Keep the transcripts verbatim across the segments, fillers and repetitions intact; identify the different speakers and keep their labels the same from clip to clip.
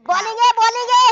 Speaker 1: Bowling आहे bowling आहे.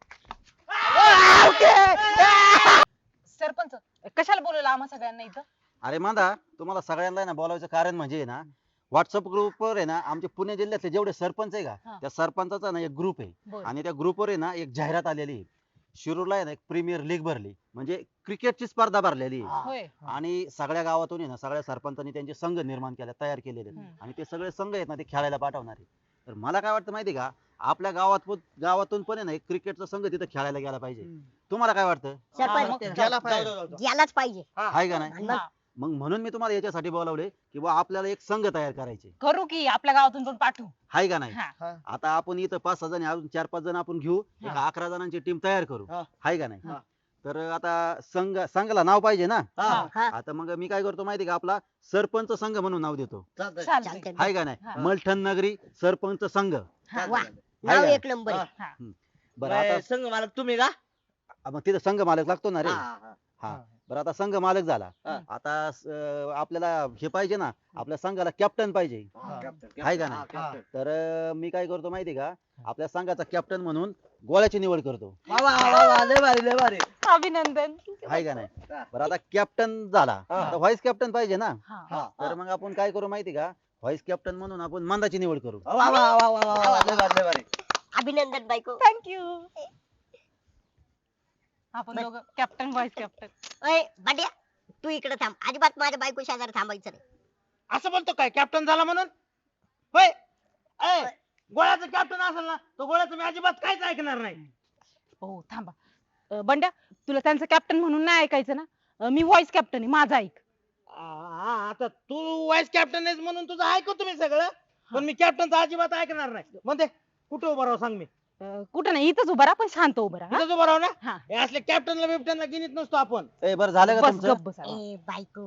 Speaker 2: सरपंच कशाला बोलवलं आम्हा सगळ्यांना इथं?
Speaker 3: अरे मांदा तुम्हाला सगळ्यांना आहे ना बोलायचं कारण म्हणजे आहे ना व्हॉट्सअप ग्रुपवर आहे ना आमचे पुणे जिल्ह्यातले जेवढे सरपंच आहे
Speaker 2: हा.
Speaker 3: का त्या सरपंचाचा ना एक ग्रुप आहे
Speaker 2: बरं.
Speaker 3: आणि त्या ग्रुपवर आहे ना एक जाहिरात आलेली आहे. शिरूरला आहे ना एक प्रीमियर लीग भरली म्हणजे क्रिकेटची स्पर्धा भरलेली आहे.
Speaker 2: होय.
Speaker 3: आणि सगळ्या गावातून आहे ना सगळ्या सरपंचांनी त्यांचे संघ निर्माण केले तयार केलेले आहेत.
Speaker 2: हम्म.
Speaker 3: आणि ते सगळे संघ आहेत ना ते खेळायला पाठवणार आहे. तर मला काय वाटतं माहिती आहे का आपल्या गावात पण- गावातून पण आहे ना एक क्रिकेटचा संघ तिथे खेळायला गेला पाहिजे. तुम्हाला काय वाटतं
Speaker 1: सरपंच
Speaker 2: मग
Speaker 4: गेला पाहिजे.
Speaker 1: यालाच पाहिजे.
Speaker 3: आहे का नाही
Speaker 2: हा.
Speaker 3: मग म्हणून मी तुम्हाला याच्यासाठी बोलावले की बा आपल्याला एक संघ तयार करायचे
Speaker 2: करू की आपल्या गावातून पण पाठवू.
Speaker 3: आहे का नाही
Speaker 2: हा.
Speaker 3: आता आपण इथं पाच सहा जण अजून चार पाच जण आपण घेऊ एक
Speaker 2: हा.
Speaker 3: अकरा जणांची टीम तयार करू
Speaker 4: हा.
Speaker 3: आहे का नाही
Speaker 4: हा.
Speaker 3: तर आता संघ संघाला नाव पाहिजे ना
Speaker 2: हा.
Speaker 1: हा
Speaker 3: आता मग मी काय करतो माहिती का आपला सरपंच संघ म्हणून नाव देतो
Speaker 4: चालतंय.
Speaker 2: चालतंय.
Speaker 1: चालतंय.
Speaker 3: आहे का नाही
Speaker 2: हा.
Speaker 3: मलठण नगरी सरपंच संघ
Speaker 2: हा.
Speaker 1: वा.
Speaker 4: चालतंय.
Speaker 1: नाव
Speaker 3: आहे
Speaker 1: एक नंबर आहे.
Speaker 2: हा.
Speaker 3: बरं
Speaker 4: बाय,
Speaker 3: आता
Speaker 4: संघ मालक तुम्ही का
Speaker 3: मग तिथं संघ मालक लागतो ना रे
Speaker 4: हा, हा.
Speaker 3: हा बरं आता संघ मालक झाला
Speaker 4: हा.
Speaker 3: आता अं, आपल्याला हे पाहिजे ना आपल्या संघाला कॅप्टन पाहिजे
Speaker 4: हा, कॅप्टन,
Speaker 3: आहे का
Speaker 4: कॅप्टन.
Speaker 3: नाही?
Speaker 4: हा, कॅप्टन.
Speaker 3: तर अं, मी काय करतो माहिती का आपल्या संघाचा कॅप्टन म्हणून गोळ्याची निवड करतो
Speaker 4: वा, वा, वा, वा, लय भारी लय भारी
Speaker 2: अभिनंदन.
Speaker 3: आहे का नाही बरं आता कॅप्टन झाला
Speaker 4: हा.
Speaker 3: आता व्हाईस कॅप्टन पाहिजे ना
Speaker 2: हा.
Speaker 4: हा,
Speaker 3: तर मग आपण काय करू माहिती का व्हाईस कॅप्टन म्हणून आपण मंदाची निवड करू
Speaker 4: वा, वा, वा, वा, वा, वा, लय भारी लय भारी
Speaker 1: अभिनंदन बायको.
Speaker 2: थँक्यू. आपण दोघं कॅप्टन व्हाईस कॅप्टन.
Speaker 1: अय बाड्या तू इकडे थांब अजिबात माझ्या बायको शेजारी थांबायचं नाही.
Speaker 5: असं बोलतो काय कॅप्टन झाला म्हणून होय ए, गोळ्याचं कॅप्टन असेल ना तो गोळ्याचं मी अजिबात काहीच ऐकणार नाही.
Speaker 2: हो थांबा. अं, बंड्या तुला त्यांचं कॅप्टन म्हणून नाही ऐकायचं ना. अं, मी व्हाईस कॅप्टन आहे माझा ऐक.
Speaker 5: हा आता तू वाईस कॅप्टन आहेस म्हणून तुझं ऐकतो मी सगळं पण मी कॅप्टनचं अजिबात ऐकणार नाही. म्हणते कुठे उभं राहू सांग मी
Speaker 2: अं, कुठं नाही इथंच उभा राहा पण शांत उभा राहा.
Speaker 5: इथंच उभं राहू ना
Speaker 2: हा.
Speaker 5: हे असले कॅप्टनला बिप्टनला गिनीत नसतो आपण.
Speaker 3: ए बरं झालं का
Speaker 2: बस
Speaker 3: तुमचं
Speaker 2: गप्प बस.
Speaker 1: ए बायको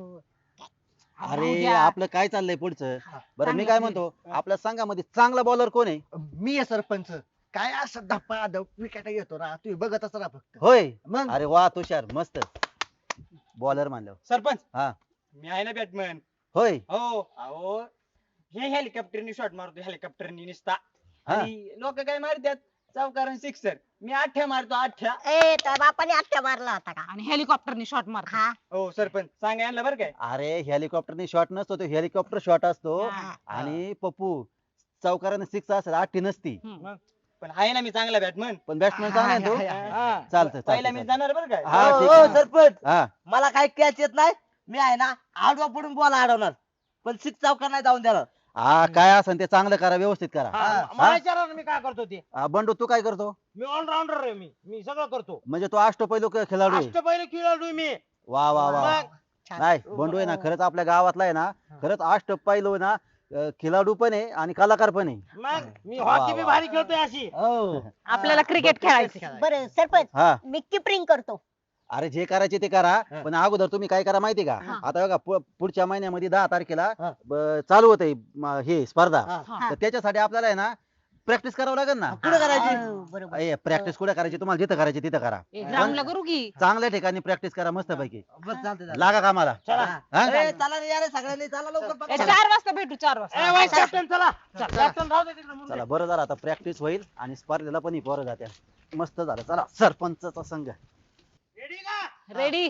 Speaker 3: अरे आपलं काय चाललंय पुढचं बरं मी काय म्हणतो आपल्या संघामध्ये चांगला बॉलर कोण आहे
Speaker 4: मी आहे सरपंच काय असं धप्पा विकेट घेतो ना तुम्ही बघतच राहा फक्त
Speaker 3: होय
Speaker 4: मग
Speaker 3: अरे वा तुषार मस्त बॉलर मानलं
Speaker 5: सरपंच
Speaker 3: हा
Speaker 5: मी आहे ना बॅटमॅन.
Speaker 3: होय
Speaker 5: हो अहो हे हेलिकॉप्टरनी शॉट मारतो हेलिकॉप्टरनी निसता
Speaker 3: हा.
Speaker 5: आणि लोक काय मारतात चौकार सिक्सर मी आठ्या मारतो आठ्या.
Speaker 1: ए त्या बापाने आत्या मारला होता का?
Speaker 2: आणि हेलिकॉप्टरने शॉट मार.
Speaker 1: हा
Speaker 5: हो सरपंच सांगा यांना बरं काय
Speaker 3: अरे हेलिकॉप्टरने शॉट नसतो तो हेलिकॉप्टर शॉट असतो
Speaker 2: हा.
Speaker 3: आणि पप्पू चौकाराने सिक्स असेल आठी नसती
Speaker 5: पण आहे ना मी चांगला बॅटमॅन.
Speaker 3: पण बॅट्समॅन चांगला आहे तो चालतंय
Speaker 5: पहिला मी
Speaker 3: चालतंय
Speaker 5: जाणार बरं काय.
Speaker 3: हा
Speaker 4: हो,
Speaker 3: ठीक
Speaker 4: हो,
Speaker 3: आहे
Speaker 4: सरपंच
Speaker 3: हा
Speaker 4: मला काय कॅच येत नाही मी आहे ना आडवा पडून बॉल अडवणार पण सिक्स चौका नाही जाऊन देणार.
Speaker 3: हा काय असेल ते चांगलं करा व्यवस्थित करा
Speaker 5: हा,
Speaker 4: हा.
Speaker 5: मला विचारा ना मी काय करतो ते.
Speaker 3: हा, बंडू तू काय करतो
Speaker 5: मी ऑलराऊंडर आहे मी मी सगळं करतो.
Speaker 3: म्हणजे तो अष्टपैलू क- खेळाडू आहे
Speaker 5: अष्टपैलू खेळाडू आहे मी.
Speaker 3: वा वा वा
Speaker 5: मग
Speaker 1: छान.
Speaker 3: नाही बंडू आहे ना खरंच आपल्या गावातला आहे ना खरंच अष्टपैलू आहे ना अं, खेळाडू पण आहे आणि कलाकार पण आहे
Speaker 5: मग मी
Speaker 3: वा,
Speaker 5: हॉकी बी
Speaker 3: वा.
Speaker 5: भारी खेळतोय अशी.
Speaker 4: हो
Speaker 2: आपल्याला क्रिकेट खेळायचं.
Speaker 1: बरं सरपंच
Speaker 3: हा
Speaker 1: मी किपरिंग करतो.
Speaker 3: अरे जे करायचे ते करा पण अगोदर तुम्ही काय करा माहिती का
Speaker 1: हा.
Speaker 3: आता बघा पु- पुढच्या महिन्यामध्ये दहा तारखेला
Speaker 4: हा.
Speaker 3: ब- चालू होते हे स्पर्धा
Speaker 4: हा.
Speaker 2: हा.
Speaker 3: तर त्याच्यासाठी आपल्याला आहे ना प्रॅक्टिस करावं लागेल ना
Speaker 4: पुढे करायची
Speaker 1: हो, बरोबर
Speaker 3: प्रॅक्टिस कुठे करायची तुम्हाला जिथं करायची तिथं करा
Speaker 2: ग्राउंडला करू की.
Speaker 3: चांगल्या ठिकाणी प्रॅक्टिस करा मस्त पैकी
Speaker 4: बस चालतंय चालतंय.
Speaker 3: लागा कामाला
Speaker 5: चला
Speaker 3: हा?
Speaker 4: ए, चला रे यार सगळ्यांनी चला लवकर
Speaker 2: ए,
Speaker 4: पटकन.
Speaker 2: चार वाजता भेटू चार
Speaker 5: ए
Speaker 2: वाजता.
Speaker 5: वाईस कॅप्टन चला कॅप्टन राहू दे तिकडे म्हणून.
Speaker 3: चला बरं झालं आता प्रॅक्टिस होईल आणि स्पर्धेला पण ही पोरं जात्या मस्त झालं चला सरपंचचा संघ
Speaker 5: Ready का?
Speaker 2: रेडी.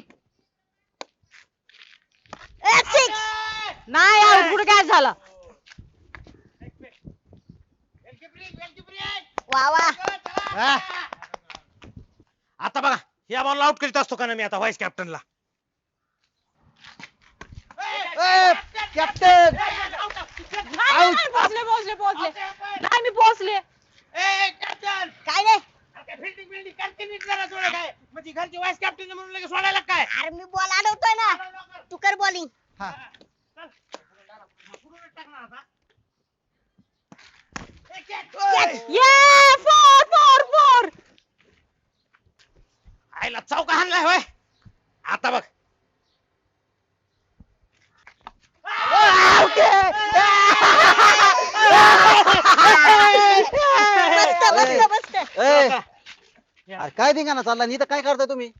Speaker 1: ए, six.
Speaker 2: नाही आउट कुठे काय झाला.
Speaker 5: Goalkeeping, goalkeeping.
Speaker 1: वा वा
Speaker 5: हा. आता बघा या बॉलला आउट करीत असतो का ना मी आता व्हाईस कॅप्टनला.
Speaker 4: कॅप्टन
Speaker 2: नाही, नाही, पोहोचले पोहोचले पोहोचले. नाही मी पोहोचले.
Speaker 5: कॅप्टन
Speaker 1: काय नाही
Speaker 5: फिल्डिंग बिल्डिंग करते नीट जरा थोडं काय म्हणजे घरचे व्हाईस कॅप्टन म्हणून लगेच सोडायला काय.
Speaker 1: अरे मी बॉल अडवतोय ना तू कर बॉलिंग.
Speaker 2: ये फोर फोर फोर.
Speaker 5: आईला चौका हाणलाय होय. आता बघ
Speaker 1: मस्त मस्त मस्त.
Speaker 3: ए, अरे काय धिंगाणा चालला इथं काय करताय तुम्ही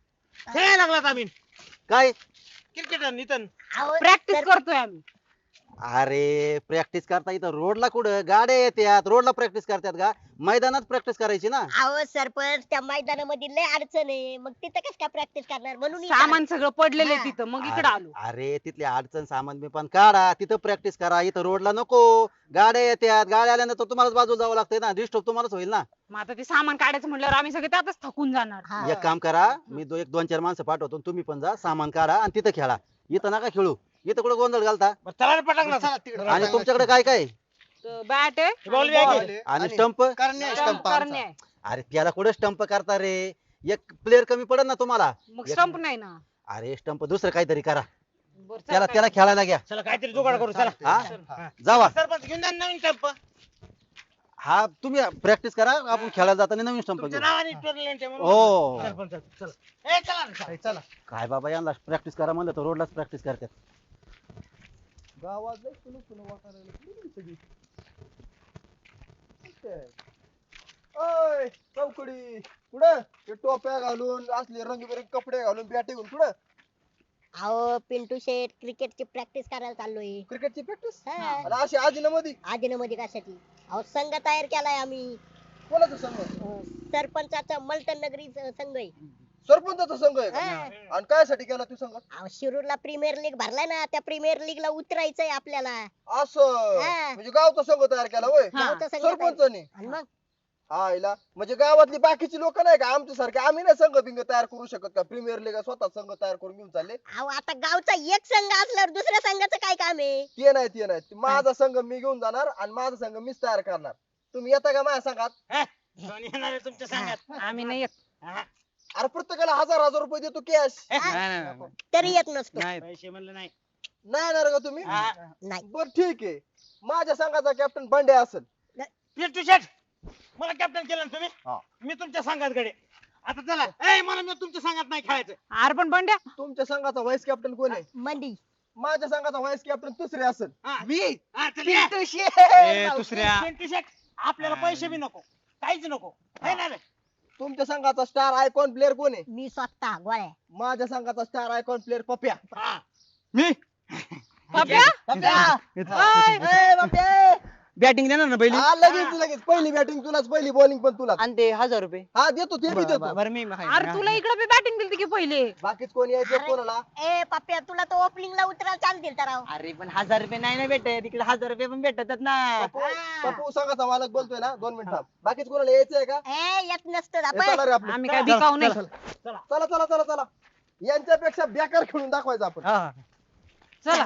Speaker 5: खेळायला लागलात आम्ही
Speaker 3: काय
Speaker 5: क्रिकेटर नितन.
Speaker 1: अहो,
Speaker 2: प्रॅक्टिस
Speaker 1: सर-
Speaker 2: करतोय आम्ही.
Speaker 3: अरे प्रॅक्टिस करता इथं रोडला कुठं गाड्या येतात रोडला प्रॅक्टिस करतात का मैदानात प्रॅक्टिस करायची ना
Speaker 1: अहो सरपंच त्या मैदानामध्ये लय अडचण आहे मग तिथं कस काय प्रॅक्टिस करणार म्हणून इथं
Speaker 2: सामान सगळं पडलेलं
Speaker 1: हा.
Speaker 2: आहे तिथं मग इकडे आलो
Speaker 3: अरे अरे, तिथली अडचण सामान बी पण काढा तिथं प्रॅक्टिस करा इथं रोडला नको गाड्या येतात गाड्या आल्यानंतर तुम्हालाच बाजूला जावं लागतंय ना डिस्टर्ब तुम्हालाच होईल ना
Speaker 2: मग आता ते सामान काढायचं म्हटल्यावर आम्ही सगळे त्यातच थकून जाणार
Speaker 1: हा.
Speaker 3: एक काम करा मी दो एक दोन चार माणसं पाठवतो तुम्ही पण जा सामान काढा आणि तिथं खेळा इथं नका खेळू इथं कुठं गोंधळ घालता
Speaker 5: बरं, चला रे पटाक ना.
Speaker 3: आणि तुमच्याकडे काय काय
Speaker 2: बॅट आहे
Speaker 5: हे ball
Speaker 2: आणि
Speaker 5: bag
Speaker 2: ball
Speaker 5: आहे.
Speaker 2: आहे.
Speaker 3: आणि स्टंप
Speaker 6: करण्या
Speaker 2: Stump
Speaker 6: स्टंप
Speaker 2: करणे आहे.
Speaker 3: अरे त्याला कुठं स्टंप करता रे एक प्लेअर कमी पडेल ना तुम्हाला
Speaker 2: मग
Speaker 3: एक-
Speaker 2: स्टंप नाही ना
Speaker 3: अरे स्टंप दुसरं काहीतरी करा
Speaker 2: बरं, चला
Speaker 3: त्याला
Speaker 2: काय-
Speaker 3: त्याला खेळायला घ्या
Speaker 5: चला काहीतरी जुगाड करू चला
Speaker 3: हा
Speaker 5: हा.
Speaker 3: जावा
Speaker 5: सरपंच घेऊन जा ना नवीन टप्प
Speaker 3: हा तुम्ही प्रॅक्टिस करा आपण खेळायला जाताना नवीन स्टंप
Speaker 5: तुमच्या
Speaker 3: घेऊ
Speaker 5: नावाने टुर्नामेंट आहे म्हणून.
Speaker 3: हो
Speaker 5: सरपंच चला ए चला ना, चला.
Speaker 6: चला
Speaker 3: काय बाबा यांना प्रॅक्टिस करा म्हणलं तर रोडलाच प्रॅक्टिस करतात
Speaker 6: गावात लय सुलू सुलू वाटायला लागलं. कुठे गेली सगळी? ओय चौकडी कुठं ते टोप्या घालून असले रंगीबेरंगी कपडे घालून बॅटे घेऊन कुठं
Speaker 1: अहो पिंटू शेट क्रिकेटची प्रॅक्टिस करायला चाललोय
Speaker 6: क्रिकेटची प्रॅक्टिस
Speaker 1: हा.
Speaker 6: आणि अशी आजीना मध्ये
Speaker 1: आदिनमध्ये कशाची अहो संघ तयार केलाय आम्ही
Speaker 6: कोणाचा संघ
Speaker 1: अं, सरपंचाचा मलटण नगरी संघ आहे
Speaker 6: सरपंचाचा संघ आहे का
Speaker 1: हा.
Speaker 6: आणि कायसाठी केला तू संघ
Speaker 1: अहो शिरूरला प्रीमियर लीग भरलाय ना त्या प्रीमियर लीग ला उतरायचंय आपल्याला
Speaker 6: असं
Speaker 1: हा.
Speaker 6: म्हणजे गावचा संघ तयार केला होय
Speaker 2: हा.
Speaker 1: गावचा संघ तयार-
Speaker 6: सरपंचाने
Speaker 1: आणि मग
Speaker 6: हा इला म्हणजे गावातली बाकीची लोक नाही का आमच्या सारखे आम्ही नाही संघ बिंग तयार करू शकत का प्रीमियर लीग स्वतः संघ तयार करून घेऊन चालले
Speaker 1: अहो आता गावचा एक संघ असल्यावर दुसऱ्या संघाचं काय काम आहे
Speaker 6: ते नाही ते नाही ते माझा संघ मी घेऊन जाणार आणि माझा संघ मीच तयार करणार तुम्ही येता का माझ्या संघात
Speaker 5: कोण येणार आहे तुमच्या संघात
Speaker 2: आम्ही नाही येत
Speaker 5: हा.
Speaker 6: अरे प्रत्येकाला हजार हजार रुपये देतो कॅश
Speaker 1: हा?
Speaker 5: नाही, नाही, नाही.
Speaker 1: तरी येत नसतो
Speaker 5: पैसे म्हणलं नाही
Speaker 6: नाही येणार का तुम्ही
Speaker 5: हा.
Speaker 1: नाही
Speaker 6: बर ठीक आहे माझ्या संघाचा कॅप्टन बंडे असेल
Speaker 5: पिंटू शेट मला कॅप्टन केलं ना
Speaker 6: हा.
Speaker 5: तुम्ही मी तुमच्या संघात कडे आता चला ए मला मी तुमच्या संघात नाही खेळायचं
Speaker 2: अरे पण बंड्या
Speaker 6: तुमच्या संघाचा व्हाईस कॅप्टन कोण आहे
Speaker 1: मंदी
Speaker 6: माझ्या संघाचा व्हाईस कॅप्टन दुसरे असेल
Speaker 5: हा.
Speaker 6: मी
Speaker 5: हा, चल या.
Speaker 6: पिंटू शेठ.
Speaker 5: दुसऱ्या पिंटू शेट आपल्याला पैसे बी नको काहीच नको है ना रे
Speaker 6: तुमच्या संघाचा स्टार आयकॉन प्लेअर कोण आहे
Speaker 1: मी स्वतः गोळ्या
Speaker 6: माझ्या संघाचा स्टार आयकॉन प्लेअर पप्या
Speaker 5: हा.
Speaker 6: मी
Speaker 2: पप्या
Speaker 6: ए, पप्या
Speaker 7: बॅटिंग देणार ना पहिली
Speaker 6: हा, लगेच लगेच पहिली बॅटिंग तुलाच पहिली बॉलिंग पण तुलाच
Speaker 7: आणि ते हजार रुपये
Speaker 6: हा देतो ते बी देतो
Speaker 7: बरं मी
Speaker 2: अरे तुला इकडे बी बॅटिंग दिली की पहिले
Speaker 6: बाकीच कोणी यायचे
Speaker 1: अरे.
Speaker 6: कोणाला
Speaker 1: ए पप्प्या तुला तो ओपनिंग ला उतरायला चालतील तर राव
Speaker 7: अरे पण हजार रुपये नाही ना भेटत तिकडे हजार रुपये पण भेटतात ना
Speaker 6: पप्पू पप्पू संघाचा मालक बोलतोय ना दोन मिनिट बाकीच कोणाला यायचंय का
Speaker 1: ए येत नसतं
Speaker 6: हे
Speaker 1: आपण
Speaker 6: चला रे आपलं.
Speaker 2: आम्ही काय बिकाऊ नाही
Speaker 6: चला चला चला चला यांच्यापेक्षा बेकार खेळून दाखवायचं आपण
Speaker 7: हा.
Speaker 2: चला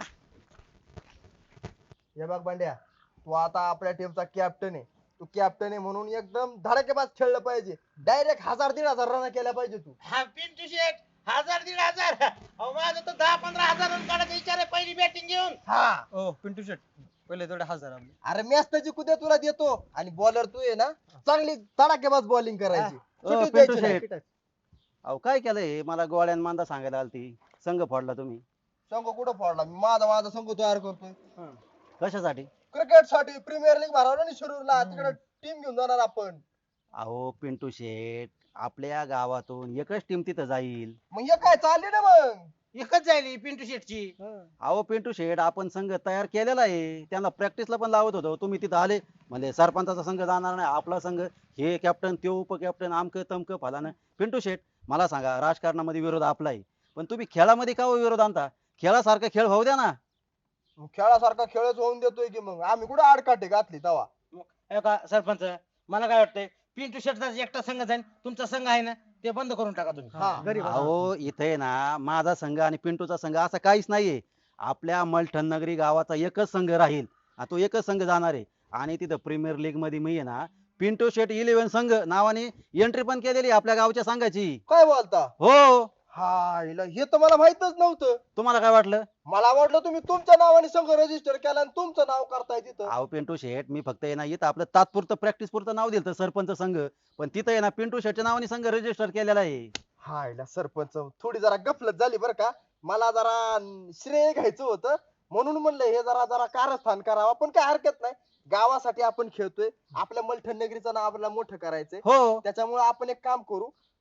Speaker 6: हे बघ बांड्या तू आता आपल्या टीमचा कॅप्टन आहे तू कॅप्टन आहे म्हणून एकदम धडाकेबाज खेळलं पाहिजे डायरेक्ट हजार दीड हजार रन केल्या पाहिजे तू
Speaker 5: हा पिंटू शेट हजार दीड हजार अहो माझं तर दहा पंधरा हजार रन काढायचा विचार आहे पहिली बॅटिंग घेऊन
Speaker 6: हा
Speaker 7: ओ पिंटू शेट पहिले थोडे हजार आपले
Speaker 6: अरे मॅच त्याची कुठे तुला देतो आणि बॉलर तू आहे ना चांगली धडाकेबाज बॉलिंग करायची
Speaker 3: ओ,
Speaker 6: सुट्टीच
Speaker 3: पिंटू
Speaker 6: द्यायची नाही.
Speaker 3: शेट. अहो काय केलंय मला गोळ्यान मांदा सांगायला आलती संघ फोडला तुम्ही
Speaker 6: संघ कुठं फोडला मी माझा माझा संघ तयार करतोय
Speaker 3: कशासाठी
Speaker 6: क्रिकेट साठी प्रीमियर लीग भरवलं ना शिरूरला तिकडे टीम घेऊन जाणार आपण
Speaker 3: अहो पिंटू शेठ आपल्या गावातून एकच टीम तिथं जाईल
Speaker 6: मग हे काय चालले ना मग
Speaker 5: एकच जायली पिंटू शेटची
Speaker 3: अहो पिंटू शेठ आपण संघ तयार केलेला आहे त्यांना प्रॅक्टिसला पण लावत होतो तुम्ही तिथं आले म्हणजे सरपंचाचा संघ जाणार नाही आपला संघ हे कॅप्टन ते उपकॅप्टन आमक तमक फलानं पिंटू शेठ मला सांगा राजकारणामध्ये विरोध आपला आहे पण तुम्ही खेळामध्ये का हो विरोध आणता खेळासारखा खेळ होऊ द्या ना
Speaker 6: मग खेळासारखा खेळच होऊन देतोय की मग आम्ही कुठे आडकाठी घातली तवा
Speaker 5: हे का सरपंच मला काय वाटतंय पिंटू शेटचा एकटा संघ जाईल तुमचा संघ आहे ना ते बंद करून टाका तुम्ही
Speaker 6: हा
Speaker 3: अहो इथे ना माझा संघ आणि पिंटूचा संघ असा काहीच नाहीये आपल्या मलठण नगरी गावाचा एकच संघ राहील आणि तो एकच संघ जाणार आहे आणि तिथं प्रीमियर लीग मध्ये मी आहे ना पिंटू शेट इलेव्हन संघ नावाने एंट्री पण केलेली आहे आपल्या गावच्या संघाची
Speaker 6: काय बोलता
Speaker 3: हो
Speaker 6: हा हिला हे तर मला माहितच नव्हतं
Speaker 3: तुम्हाला काय वाटलं
Speaker 6: मला वाटलं तुम्ही तुमच्या नावाने संघ रजिस्टर केला आणि तुमचं नाव करताय तिथं
Speaker 3: अहो पिंटू शेठ मी फक्त आहे ना इथं आपलं तात्पुरतं प्रॅक्टिस पुरतं नाव दिलं सरपंच संघ पण तिथं आहे ना पिंटू शेठच्या नावाने संघ रजिस्टर केलेला आहे
Speaker 6: हा हिला सरपंच थोडी जरा गफलत झाली बरं का मला जरा श्रेय घ्यायचं होतं म्हणून म्हणलं हे जरा जरा कारस्थान करावं पण काय हरकत नाही गावासाठी आपण खेळतोय आपल्या मलठण नगरीचं नाव आपल्याला मोठं करायचंय
Speaker 3: हो
Speaker 6: त्याच्यामुळे आपण एक काम करू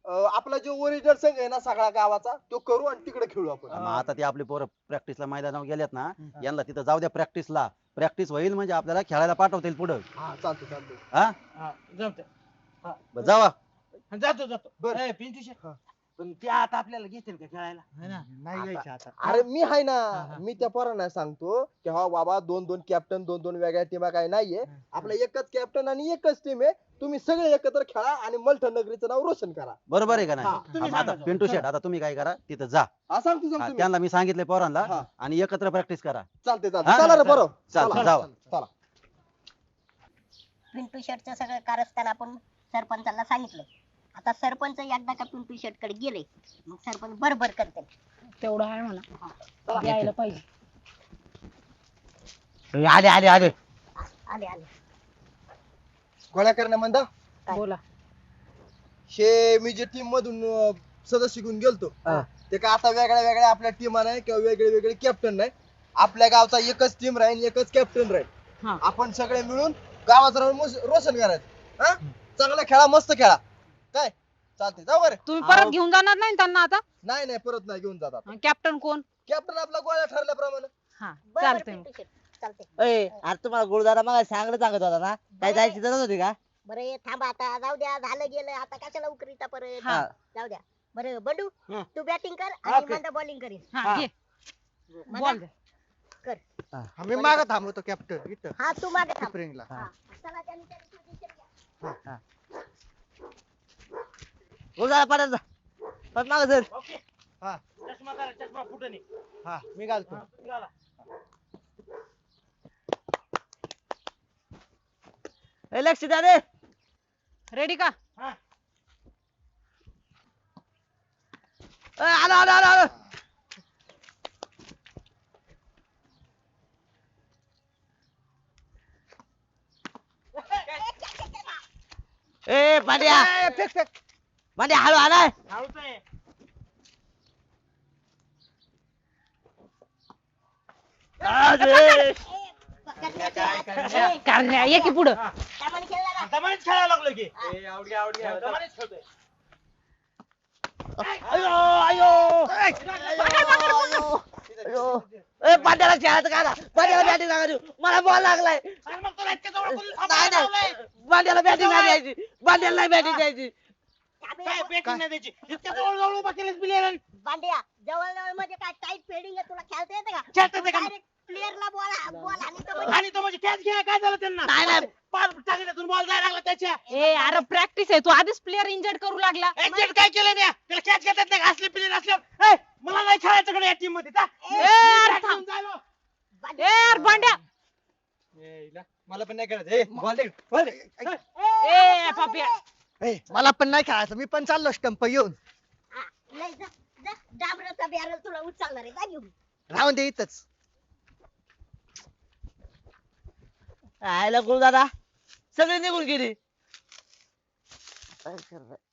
Speaker 6: अं, आपला जो ओरिजिनल संघ आहे ना सगळ्या गावाचा तो करू आणि तिकडे खेळू आपण
Speaker 3: मग आता ते आपले पोरं प्रॅक्टिसला मैदानावर गेलेत ना यांना तिथं जाऊ द्या प्रॅक्टिसला प्रॅक्टिस होईल म्हणजे आपल्याला खेळायला पाठवतील पुढं
Speaker 6: हा चालतो चालतो
Speaker 3: हा
Speaker 5: हा, जमतंय.
Speaker 3: बरं, जावा
Speaker 5: हा, जातो जातो
Speaker 6: बरं.
Speaker 5: ए, पिंटू शेट पण ते आता आपल्याला घेतील का खेळायला
Speaker 7: नाही घ्यायचे आता
Speaker 6: अरे मी आहे ना
Speaker 5: हा.
Speaker 6: मी त्या पोरांना सांगतो की हा बाबा दोन दोन कॅप्टन दोन दोन वेगळ्या टीमा काही नाहीये आपला एकच कॅप्टन आणि एकच टीम आहे तुम्ही सगळे एकत्र खेळा आणि मलठण नगरीचं नाव रोशन करा
Speaker 3: बरोबर आहे का नाही
Speaker 6: हा,
Speaker 3: हा,
Speaker 5: तुम्ही
Speaker 3: मग आता
Speaker 5: सांगा.
Speaker 3: पिंटू शेट आता तुम्ही काय करा तिथं जा
Speaker 6: हा सांगतो
Speaker 3: हा,
Speaker 6: सांगतो मी.
Speaker 3: त्यांना मी सांगितले पोरांना
Speaker 6: हा.
Speaker 3: आणि एकत्र प्रॅक्टिस करा
Speaker 6: चालते
Speaker 3: हा?
Speaker 6: चालते चला रे बरोबर
Speaker 3: चालतं,
Speaker 6: चला.
Speaker 3: जावा.
Speaker 6: चला
Speaker 1: पिंटू शेटचं सगळं कारस्थान आपण सरपंचाला सांगितलं. आता सरपंच एकदा का पिंटू शेट कडे गेले मग सरपंच बरोबर करते.
Speaker 2: तेवढं आहे म्हणा यायला पाहिजे.
Speaker 4: आले आले आले
Speaker 1: आले आले
Speaker 6: गोळ्या करण्या म्हणता
Speaker 1: काय?
Speaker 2: बोला.
Speaker 6: हे मी जे टीम मधून अं, सदस्य घेऊन गेलतो
Speaker 4: हा.
Speaker 6: ते का आता वेगळ्या वेगळ्या आपल्या टीमा नाही किंवा वेगळे वेगळे कॅप्टन नाही आपल्या गावचा एकच टीम राहील एकच कॅप्टन राहील
Speaker 2: हा.
Speaker 6: आपण सगळे मिळून गावाचं नाव मोस- रोशन करायचं हा चांगला खेळा मस्त खेळा काय चालते जाऊ बरं
Speaker 2: तुम्ही परत घेऊन जाणार नाही ना त्यांना आता?
Speaker 6: नाही नाही परत नाही घेऊन जातात
Speaker 2: कॅप्टन कोण?
Speaker 6: कॅप्टन आपला गोळ्या ठरल्याप्रमाणे
Speaker 2: हा
Speaker 1: बरोबर
Speaker 2: चालतंय.
Speaker 1: पिंटू शेट चालते.
Speaker 4: ए अरे तुम्हाला गुरुदादा मग सांगलं सांगत होता ना काय जायची गरज होती का
Speaker 1: बरं हे थांबा आता जाऊ द्या झालं गेलं आता कशाला उकरीता परत
Speaker 2: हा.
Speaker 1: जाऊ द्या. बरं बंडू
Speaker 5: हं.
Speaker 1: तू बॅटिंग कर
Speaker 5: हा,
Speaker 1: आणि
Speaker 5: कर.
Speaker 1: मंदा बॉलिंग करीन.
Speaker 2: हा घे बॉल द्या.
Speaker 7: आम्ही मागं थांबवतो कॅप्टन इथं
Speaker 1: हा तू मागे थांब.
Speaker 7: स्प्रिंगला
Speaker 1: हा. चला त्यांनी त्यांनी position घ्या.
Speaker 4: गुरुदादा पडायचा पण माग सर
Speaker 5: ओके
Speaker 7: हा
Speaker 5: चष्मा करा चष्मा फुटू नये
Speaker 7: हा मी घालतो
Speaker 5: हा, निघाला.
Speaker 4: लक्ष द्या रे
Speaker 2: रेडी का?
Speaker 5: हा.
Speaker 4: ए, आलो आलो आलो आलो ए पांड्या पांड्या हळू आलाय
Speaker 5: धावतोय.
Speaker 4: अरे
Speaker 2: करण्या ये की पुढं.
Speaker 1: त्यामध्ये खेळला ना.
Speaker 5: दमानेच खेळायला लागलो की
Speaker 7: ए, out घ्या, out घ्या.
Speaker 5: दमानेच खेळतोय.
Speaker 4: अयो अयो अयो ए पांड्याला खेळायचं का ना पांड्याला बॅटिंग लागायची मला बॉल लागलाय
Speaker 5: अरे मग तुला इतक्या जवळ कोणी
Speaker 4: नाही
Speaker 5: थांबायला लावलंय?
Speaker 4: नाही पांड्याला बॅटिंग नाही द्यायची पांड्याला नाही बॅटिंग द्यायची
Speaker 1: आम्ही
Speaker 5: काय बॅटिंग नाही द्यायची इतक्या जवळ जवळ उभा केलेस प्लेयर
Speaker 1: बांड्या जवळ जवळ म्हणजे काय टाईट फेडिंग आहे तुला खेळता येते का?
Speaker 5: खेळता येते का?
Speaker 1: डायरेक्ट प्लेअरला बॉल बॉल आणि तो म्हणजे
Speaker 5: आणि तो म्हणजे कॅच घ्या काय झालं त्यांना
Speaker 4: नाही, नाही.
Speaker 5: पार टाकल्यातून बॉल जायला लागला त्याच्या
Speaker 2: ए अरे प्रॅक्टिस आहे तू आधीच प्लेअर इंजर्ड करू लागला.
Speaker 5: एक्झॅक्ट काय केलं मी त्याला कॅच घेतात नाही असले प्लेयर असल्यावर ए, मला नाही खेळायचं कडे या टीम मध्ये जा.
Speaker 2: ए, अरे
Speaker 5: Bat
Speaker 2: थांब.
Speaker 5: घेऊन जायलो.
Speaker 2: ए यार भांड्या.
Speaker 7: ए, इला, मला पण नाही खेळायचं ए, ball दे, ball दे.
Speaker 2: ए पापिया.
Speaker 7: ए, मला पण नाही खेळायचं मी पण चाललो स्टंप घेऊन
Speaker 1: हा, नाही जा जा डांबराचा बॅरल तुला उचलणार आहे जा घेऊन.
Speaker 7: राहून दे इथंच
Speaker 4: आयला गुरुदादा सगळे निघून गेली काय करणार?